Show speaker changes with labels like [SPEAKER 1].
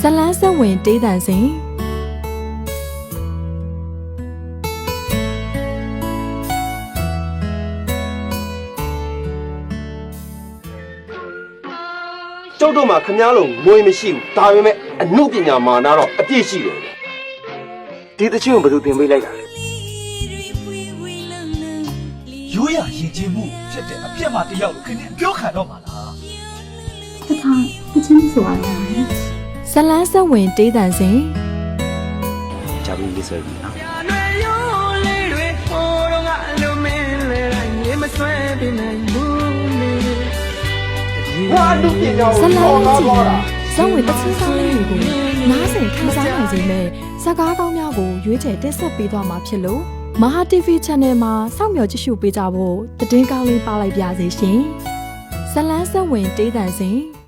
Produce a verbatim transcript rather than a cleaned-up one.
[SPEAKER 1] လန်းဆက်ဝင်တေးတန်စဉ်
[SPEAKER 2] ကျုပ်တို့မှာခမားလုံးငွေမရှိဘူးဒါပေမဲ့အမှုပညာမာနတော့အပြည့်ရှိတယ်ဒီတချင်းကိုဘယ်သူတင်ပေးလိုက်တာလဲ
[SPEAKER 3] ရိုးရရင်ကျင်းမှုဖြစ်တဲ့အပြစ်မှတယောက်လို့ခင်ဗျပြောခံတော့မှာလား
[SPEAKER 4] တခါတချင်းဆိုရတာလေ
[SPEAKER 1] ဇလန်းဆက်ဝင်တေးတန်စဉ်
[SPEAKER 2] ဂျာဘူးလေးဆွဲပြီနော်ဟာလူပညာ
[SPEAKER 1] ဇ
[SPEAKER 2] ကို
[SPEAKER 1] လ
[SPEAKER 2] ပေါ်
[SPEAKER 1] န်း
[SPEAKER 2] လာ
[SPEAKER 1] ကြည့်
[SPEAKER 2] သွားတာ
[SPEAKER 1] ဇဝင်တချင်းဆောင်လေးတွေကိုနားဆင်ခန်းစားနိုင်စေမယ့်ဇာတ်ကားကောင်းများကိုရွေးချယ်တင်ဆက်ပေးသွားမှာဖြစ်လို့မဟာ တီဗီ Channel မှာစောင့်မျှော်ကြည့်ရှုပေးကြဖို့သတင်းကောင်းလေးပါလိုက်ပါရစေရှင်ဇလန်းဆက်ဝင်တေးတန်စဉ်